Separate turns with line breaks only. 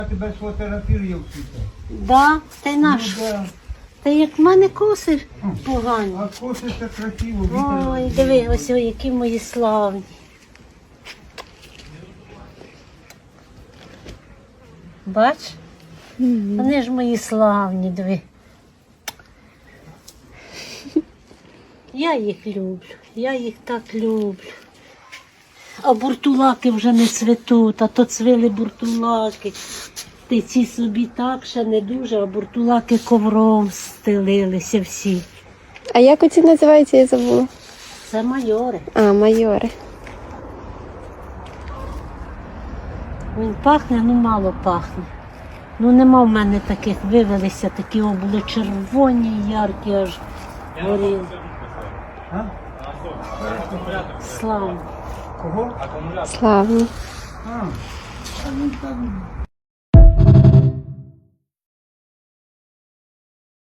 Я тебе сфотографірую вчити.
Да, та й наш.
Да.
Та як в мене коси погані.
А коси це красиво.
Ой, диви, ось які мої славні. Бач? Вони ж мої славні, диви. Я їх люблю, я їх так люблю. А буртулаки вже не цвітуть, а то цвіли буртулаки. Ти ці собі так ще не дуже, а буртулаки ковром стелилися всі.
А як оці називаються, я забула?
Це майори.
А, майори.
Він пахне, ну мало пахне. Ну нема в мене таких, вивелися такі, були червоні, яркі аж горіли.
А?
Слава.
Кого?
Славні.
А він там